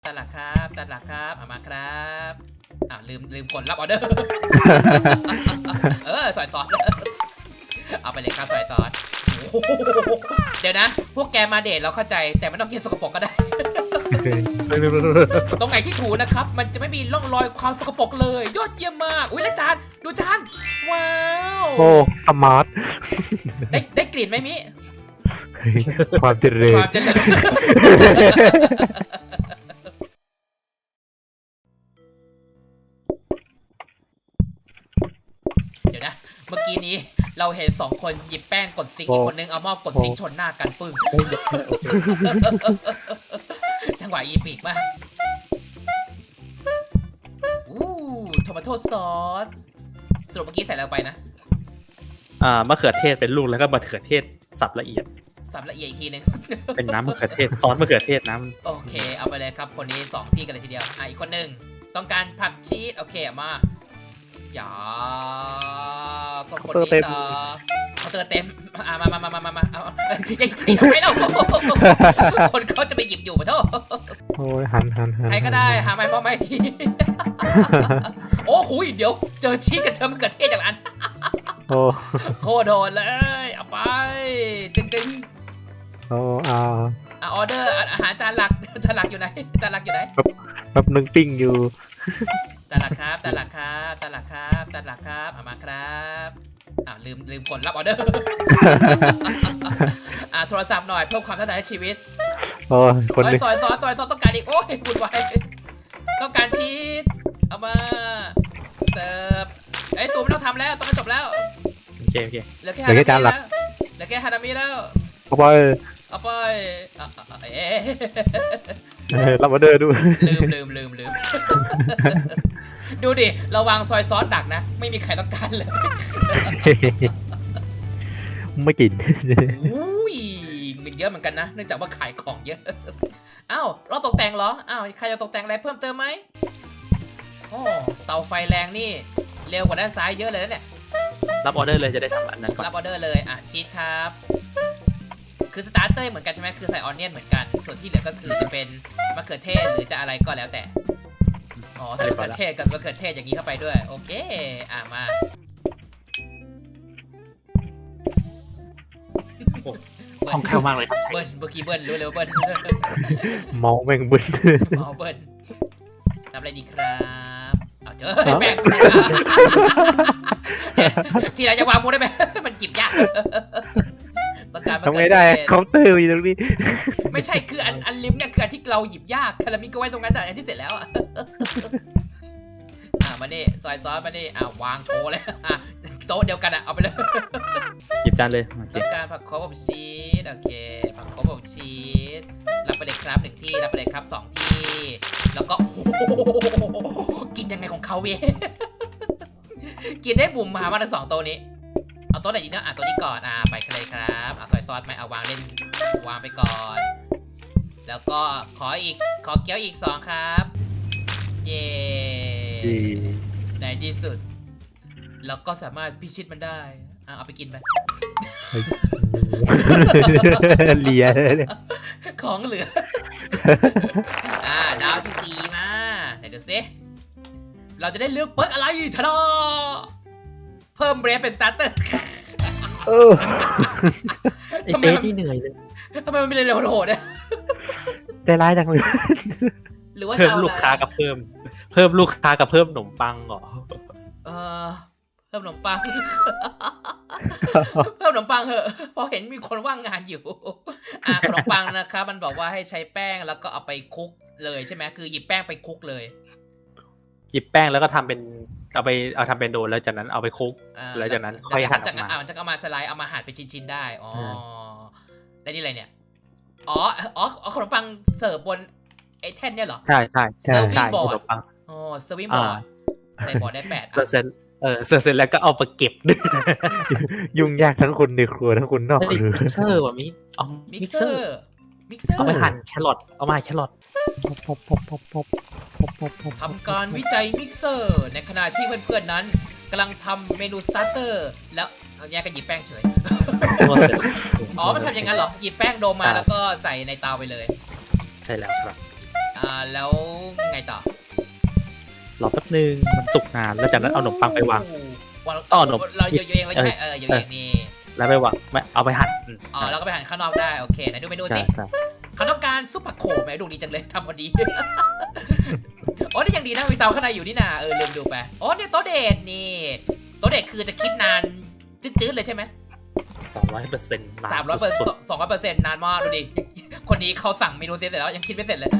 ตลาดครับตลาดครับเอามาครับลืมกดรับออเดอร์ สอยซอสเอาไปเลยครับสอยซอสเดี๋ยวนะพวกแกมาเดทเราเข้าใจแต่ไม่ต้องกินสกปรกก็ได้ ตรงไหนที่ถูนะครับมันจะไม่มีร่องรอยความสกปรกเลยยอดเยี่ยมมากอุ้ยแล้วจานดูจานว้าวโอ้สมาร์ทได้กลิ่นไหมมิความเจริญความเจริญ เดี๋ยวนะเมื่อกี้นี้เราเห็น2 คนหยิบแป้งกดซิงค์อีกคนนึงเอาหม้อกดซิงค์ชนหน้ากันปึ้ง จังหวะอีปีกมากโทมาโต้ซอสสรุปเมื่อกี้ใส่อะไรไปนะมะเขือเทศเป็นลูกแล้วก็มะเขือเทศสับละเอียดสับละเอียดอีกทีนึงเป็นน้ำมะเขือเทศซอสมะเขือเทศน้ำโอเคเอาไปเลยครับคนนี้2 ที่กันเลยทีเดียวอีกคนหนึ่งต้องการผักชีสโอเคเอามาอย่าก็คนนี้ต่อเขาเติมเต็มมาเอาอย่าทำไมเล่าคนเขาจะไปหยิบอยู่มาโทษโอ้ยหันใครก็ได้หาไม้พ่อไม้ที โอ้โหเดี๋ยวเจอชีสกับเชิญมะเขือเทศอย่างนั้นโอ้โคตรโดนเลยเอาไปตึงโอ้อาออเดอร์อาหารจานหลักอยู่ไหนจานหลักอยู่ไหนแบบนึงปิ้งอยู่จานหลักครับเอามาครับลืมกดรับออเดอร์ โทรศัพท์หน่อยเพิ่มความท้าทายให้ชีวิตโอ้ยคนนึงซอยต้องการอีกโอ้ยวุ่นวายต้องการชีสเอามาเสิร์ฟตูไม่ต้องทำแล้วต้องจบแล้วโอเคเหลือแค่ฮานามิแล้วเหลือแค่ฮานามิแล้วเอาไปเอาไปรับออเดอร์ด้วยลืม ดูดิเราวางซอยซอสดักนะไม่มีใครต้องการเลยไม่กินอุ้ยมันเยอะเหมือนกันนะเนื่องจากว่าขายของเยอะอ้าวเราตกแต่งเหรออ้าวใครจะตกแต่งอะไรเพิ่มเติมไหมโอ้เตาไฟแรงนี่เร็วกว่าด้านซ้ายเยอะเลยนะเนี่ยรับออเดอร์เลยจะได้ทำอันนั้นก่อนรับออเดอร์เลยชีสครับคือสตาร์เตอร์เหมือนกันใช่ไหมคือใส่ออนเนียนเหมือนกันส่วนที่เหลือก็คือจะเป็นมะเขือเทศหรือจะอะไรก็แล้วแต่ใส่มะเขือเทศกับมะเขือเทศอย่างนี้เข้าไปด้วยโอเคมาคล่องแคล่วมากเลยครับเบิ้ลเมื่อกี้เบิ้ลรู้เลยว่าเบิ้ลเมาแม่งบึ้นเมาเบิ้ลทำอะไรดีครับเอาเจอแป้งทีไรจะวางมูได้ไหมมันจิบยากต้องการทำไงได้เคาน์เตอร์อยู่ตรงนี้ไม่ใช่คืออันลิมเนี่ยคืออันที่เราหยิบยากคารามิก็ไว้ตรงนั้นแต่อันที่เสร็จแล้วมาดิซอยซอสมาดิวางโชว์เลยโต๊ะเดียวกันเอาไปเลยหยิบจานเลยโอเคต้องการผักโขมอบชีสโอเคผักโขมอบชีสรับไปเลยครับ1 ที่รับไปเลยครับ2 ที่แล้วก็กินยังไงของเขาเว้ย กินได้บุ่มมาทั้ง2 โต๊ะนี้เอาโต๊ะไหนดีนะตัวนี้ก่อนไปเลยครับซอยซอสไหมวางเล่นวางไปก่อนแล้วก็ขอเกี๊ยวอีก2ครับเย้ในที่สุดเราก็สามารถพิชิตมันได้เอาไปกินไปเลียของเหลือ ดาวที่4มาไหนดูซิเราจะได้เลือกเปิร์กอะไรชนะเพิ่มเบรฟเป็นสตาร์เตอร์ไอ้เต้ที่เหนื่อยเลยทำไมมันไม่เร็วโหดเนี่ยใจร้ายจังเลยหรือว่าเพิ่มลูกค้ากับเพิ่มลูกค้ากับเพิ่มขนมปังเหรอเพิ่มขนมปัง เพิ่มขนมปังเหอะเพราะเห็นมีคนว่างงานอยู่ขนมปังนะครับมันบอกว่าให้ใช้แป้งแล้วก็เอาไปคลุกเลยใช่ไหมคือหยิบแป้งไปคลุกเลยหยิบแป้งแล้วก็ทำเป็นเอาทำเป็นโดนแล้วจากนั้นเอาไปคลุกแล้วจากนั้นค่อยหั่นออกมาจะเอามาสไลด์เอามาหั่นเป็นชิ้นๆได้ได้นี่อะไรเนี่ยขนมปังเสิร์ฟบนไอ้แท่นเนี่ยเหรอใช่ขนมปังเซอร์วิสบอร์ดใส่บอร์ดได้8 เสร็จแล้วก็เอาไปเก็บด้วยยุ่งยากทั้งคนในครัวทั้งคนนอกครัวมิกเซอร์ว่ะมิกเซอร์เอาไปหั่นแครอทเอามาแครอททำการวิจัยมิกเซอร์ในขณะที่เพื่อนๆนั้นกำลังทำเมนูสตาร์เตอร์แล้วแยกกันหยิบแป้งเฉย มันทำอย่างนั้นเหรอหยิบแป้งโดมมาแล้วก็ใส่ในเตาไปเลยใช่แล้วครับแล้วไงต่อรอแป๊บนึงมันสุกนานแล้วจากนั้นเอาขนมปังไปวางต่อขนมเราเยอะเองเลยใช่ไหมเยอะเองนี่แล้วไปวางไม่เอาไปหั่นแล้วก็ไปหั่นข้างนอกได้โอเคไหนดูเมนูสิเขาต้องการซุปผักโขมไหมดูดีจังเลยทำพอดีโอ้นี่ยังดีนะมีเตาข้างในอยู่นี่นาลืมดูไปโอ้เนี่ยโต๊ะเดทนี่โต๊ะเดทคือจะคิดนานจืดๆเลยใช่ไหม 300%นานสุด 200%นานมากดูดิคนนี้เขาสั่งเมนูเสร็จแล้วยังคิดไม่เสร็จเลย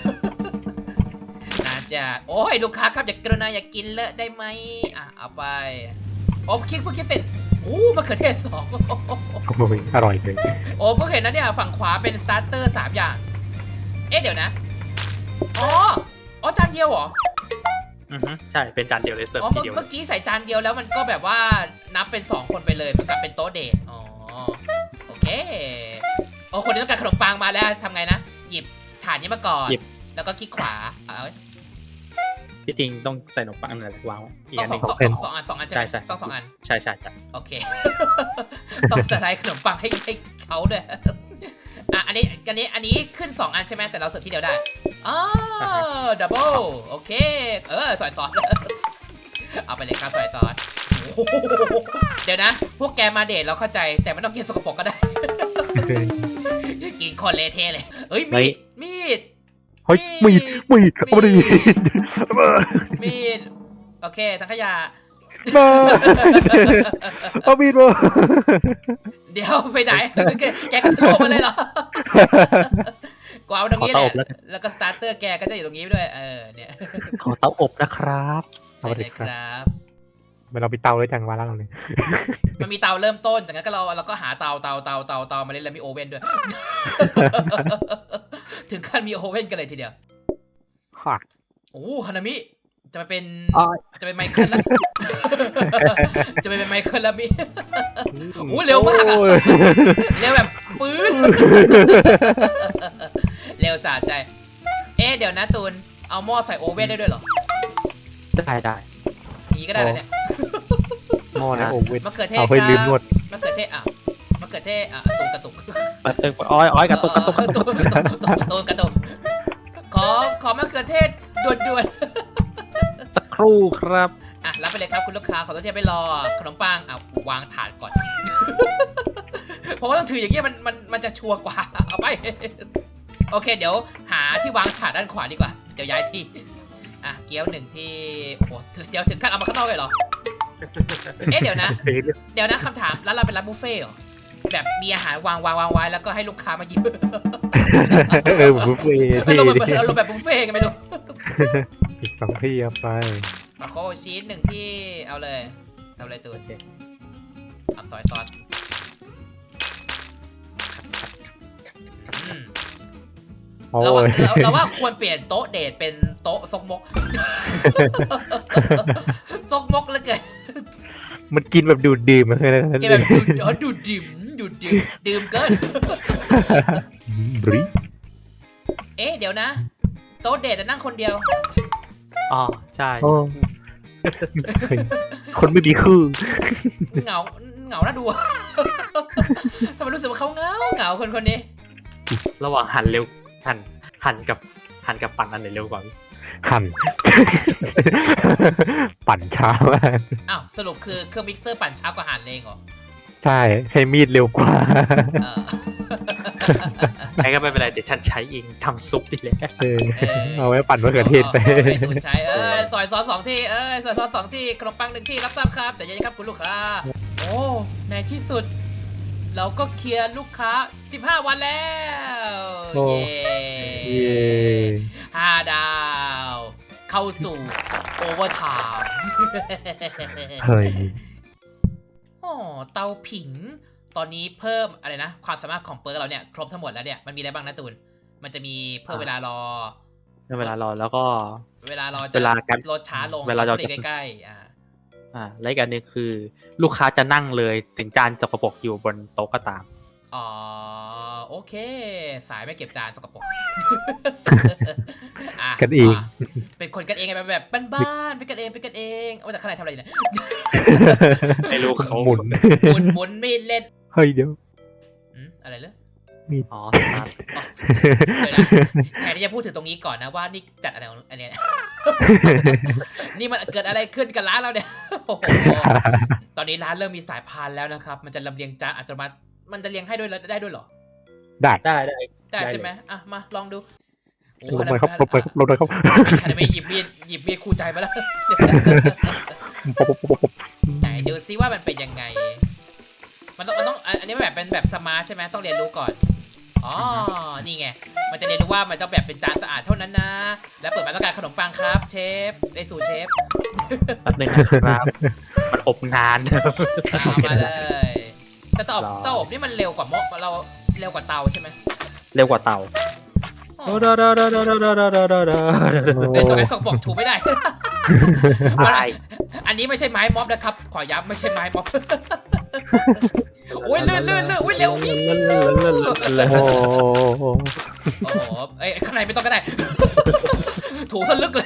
นานจัดโอ้ยลูกค้าครับอย่ากรุณาอย่ากินเลอะได้ไหมเอาไปโอ้เพิ่งคิดเสร็จมะเขือเทศ2 โอ้ยอร่อยเลยโอ้เพิ่งเห็นนะเนี่ยฝั่งขวาเป็นสตาร์เตอร์3อย่างเดี๋ยวนะอ๋อจานเดียวเหรอใช่เป็นจานเดียวเลยเสิร์ฟทีเดียวเมื่อกี้ใส่จานเดียวแล้วมันก็แบบว่านับเป็น2คนไปเลยเหมือนกับเป็นโต๊ะเดทโอเคคนนี้ต้องการขนมปังมาแล้วทำไงนะหยิบถาดนี้มาก่อนแล้วก็คลิกขวาที่จริงต้องใส่ขนมปังอะไรวางอีกอันนึง 2 อันใช่ต้อง2 อันใช่โอเคต้องสไลด์ขนมปังให้เขาด้วยอันนี้ขึ้น2 อันใช่ไหมแต่เราเสิร์ฟที่เดียวได้ดับเบิลโอเคซอยซอสเอาไปเลยครับซอยซอสเดี๋ยวนะพวกแกมาเดทเราเข้าใจแต่ไม่ต้องกินสกปรกก็ได้กินคนเละเทะเลยมีดเฮ้ยมีดเอาดิมีดโอเคทั้งขยะมาเอามีดมาเดี๋ยวไปไหนแกก็โทรมาเลยเหรอกวาดตรงนี้แหละแล้วก็สตาร์เตอร์แกก็จะอยู่ตรงนี้ด้วยเนี่ยขอเตาอบนะครับใช่เลยครับเรามีเตาเลยจังวะล่างเลยมันมีเตาเริ่มต้นจากนั้นก็เราก็หาเตามาเล่นแล้วมีโอเว่นด้วยถึงขั้นมีโอเว่นกันเลยทีเดียวฮานามิจะไปเป็นไมเคิลแล้วจะไปเป็นไมเคิลแล้วมิเร็วมากเร็วแบบปื้นเร็วสะใจเดี๋ยวนะตูนเอาหม้อใส่โอเว่นได้ด้วยเหรอได้นี้ก็ได้แล้วเนี่ยหม้อนะโอเว่นมะเขือเทศเอาให้ลืมนวดมะเขือเทศมะเขือเทศกระตุกอ้อยกระตุกขอมะเขือเทศด่วนสักครู่ครับรับไปเลยครับคุณลูกค้าขอตัวเทียบไปรอขนมปังวางถาดก่อนเพราะว่าต้องถืออย่างเงี้ยมันจะชัวร์กว่าเอาไปโอเคเดี๋ยวหาที่วางถาดด้านขวาดีกว่าเดี๋ยวย้ายที่เกี๊ยว1ที่โอ้เดี๋ยวถึงขั้นเอามาข้างนอกเลยเหรอเดี๋ยวนะคำถามร้านเราเป็นร้านบุฟเฟ่เหรอแบบมีอาหารวางไว้แล้วก็ให้ลูกค้ามาหยิบบุฟเฟ่เราแบบบุฟเฟ่กันไม่รู้อีก2 ที่เอาไปโคชีส1ที่เอาเลยตัวซอยซอสเราว่าควรเปลี่ยนโต๊ะเดทเป็นโต๊ะซกมกซกมกแล้วเกินมันกินแบบดูดดื่มเลยนะกินแบบดูดดื่มเกินเดี๋ยวนะโต๊ะเดทนั่งคนเดียวใช่คนไม่มีคือเหงาน่าดูทำไมรู้สึกว่าเขาเหงาคนนี้ระหว่างหันเร็วหั่นกับปั่นอันไหนเร็วกว่าหั่นปั่นช้ามากสรุปคือเครื่องมิกเซอร์ปั่นช้ากว่าหั่นเองเหรอใช่ใช้มีดเร็วกว่าไอ้ก็ไม่เป็นไรเดี๋ยวฉันใช้เองทำซุปดีแล้วเอาไว้ปั่นมะเขือเทศไปใช้ซอยซอส2 ที่ซอยซอส2 ที่ขนมปัง1 ที่รับทราบครับใจเย็นครับคุณลูกค้าในที่สุดเราก็เคลียร์ลูกค้า15 วันแล้วเย้5 ดาวเข้าสู่โอเวอร์ไทม์เฮ้ยเตาผิงตอนนี้เพิ่มอะไรนะความสามารถของเปิร์กเราเนี่ยครบทั้งหมดแล้วเนี่ยมันมีอะไรบ้างนะตูนมันจะมีเพิ่มเวลารอแล้วก็เวลารอจะลดช้าลงเวลาเราจะใกล้และอีกอันนึงคือลูกค้าจะนั่งเลยถึงจานสกปรกอยู่บนโต๊ะก็ตามโอเคสายไม่เก็บจานสกปรกกันเองเป็นคนกันเองแบบบ้านๆเป็นกันเองแต่ข้างในทำอะไรเนี่ยไม่รู้เขาหมุนมีดเล่นเฮ้ยเดี๋ยวอะไรเลยอ๋อครับเดี๋ยวนะแทนที่จะพูดถึงตรงนี้ก่อนนะว่านี่จัดอะไรของอันเนี้ย นี่มันเกิดอะไรขึ้นกับร้านเราเนี่ย โอ้โหตอนนี้ร้านเริ่มมีสายพานแล้วนะครับ มันจะลำเลียงจานอัตโนมัติมันจะเลียงให้ด้วยได้ด้วยเหรอได้ได้ได้ใช่ไหมอ่ะมาลองดูโอ้ลงไปครับลงไปครับลงไปครับฮานามิหยิบมีดคู่ใจมาแล้ว ไหนดูซิว่ามันเป็นยังไง มันต้องอันนี้แบบเป็นแบบสมาร์ทใช่ไหมต้องเรียนรู้ก่อน อ๋อ นี่ไง มันจะเรียนรู้ว่ามันต้องแบบเป็นจานสะอาดเท่านั้นนะ แล้วเปิดมาต้องการขนมปังครับเชฟได้สู่เชฟแป๊บนึงนะครับมันอบนานเอามาเลย แต่เตาอบนี่มันเร็วกว่าเราเร็วกว่าเตาใช่ไหมเร็วกว่าเตาอ๋อตัวนั้นส่งบอกถูไม่ได้อะไรอันนี้ไม่ใช่ไม้ม็อบนะครับ ขอย้ำไม่ใช่ไม้ม็อบ โอ้ยเลื่อนโอ้ยเร็วพี่โอ้โหโอ้โหเอ้ยข้างในไม่ต้องก็ได้ ถูซะลึกเลย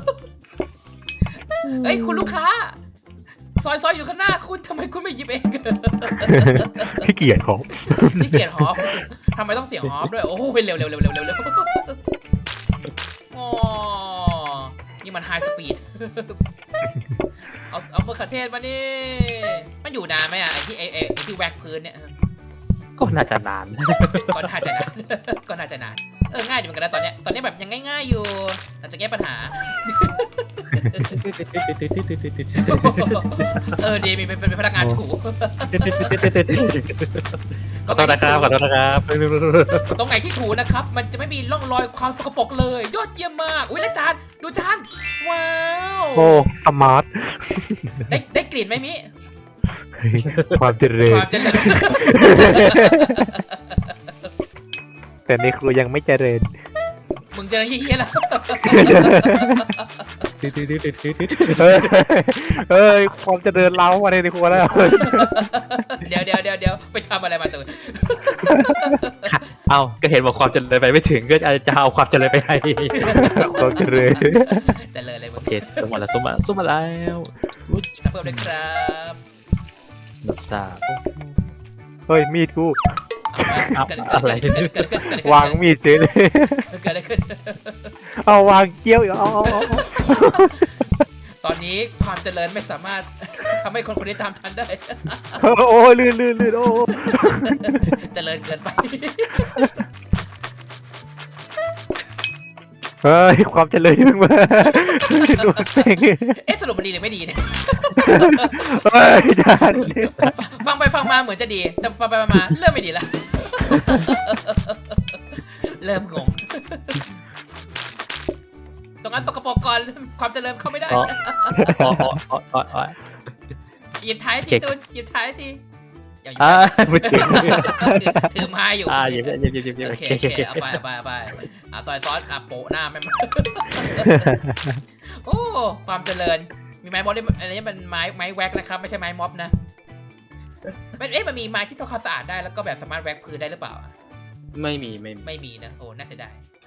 เอ้ยคุณลูกค้า ซอยอยู่ข้างหน้าคุณทำไมคุณไม่หยิบเองขี้เกียจของนี่เกียรฮอปทำไมต้องเสียงฮอปด้วย โอ้ยเร็วอ๋อนี่มันไฮสปีด เอามะเขือเทศมานี่ มันอยู่นานไหมอ่ะไอที่แว็กพื้นเนี่ยก็น่าจะนานก็น่าจะนาน ก็น่าจะนาน ง่ายอยู่เหมือนกันนะตอนเนี้ยแบบยังง่ายๆอยู่เราจะแก้ปัญหา ดีมีเป็นพนักงานถูขอโทษนะครับตรงไหนที่ถูนะครับ มันจะไม่มีร่องรอยความสกปรกเลย ยอดเยี่ยมมากอุ้ยแล้วจานดูจานว้าวโอ้สมาร์ทได้กลิ่นไหมมิความเจริคญวามเจริญแต่ในครัวยังไม่เจริญมึงเจอเฮี้ยๆแล้วเฮ้ยความเจริญเรามาในครัวแล้วเดี๋ยวไปทำอะไรมาตัวเอ้าก็เห็นบอกความเจริญไปไม่ถึงก็จะเอาความเจริญไปให้ความเจริญเจริญเลยมึโอง เคสมมาแล้วสมมาแล้วเพิ่มเลยครับนับสามเฮ้ยมีดกูอะไรวางมีดเฉยเลยเกิดอะไรขึ้นเอาวางเกี้ยวอีกเอาตอนนี้ความเจริญไม่สามารถ ทำให้คนนี้ตามทันได้โอ้ลื่นโอ้เจริญเกินไปเฮ้ยความเจริญมึงมาดูเซ็งสรุปมันดีหรือไม่ดีเนี่ยเฮ้ยจานฟังไปฟังมาเหมือนจะดี แต่ฟังไปมาเริ่มไม่ดีละ เริ่มงง ตรงนั้นสกปรกก่อนความเจริญเข้าไม่ได้ หยิบท้ายทีตูนหยิบท้ายทีอย่าหยิบไม่ถึงถือไม้อยู่หยิบโอเคเอาไปซอยซอสโปะหน้าแม่ง โอ้ความเจริญมีไม้ม็อบด้วยอันนี้มันไม้แว็กนะครับไม่ใช่ไม้ม็อบนะมันมีไม้ที่ทำความสะอาดได้แล้วก็แบบสามารถแว็กพื้นได้หรือเปล่าไม่มีไม่มีนะโอ้น่าเสียดาย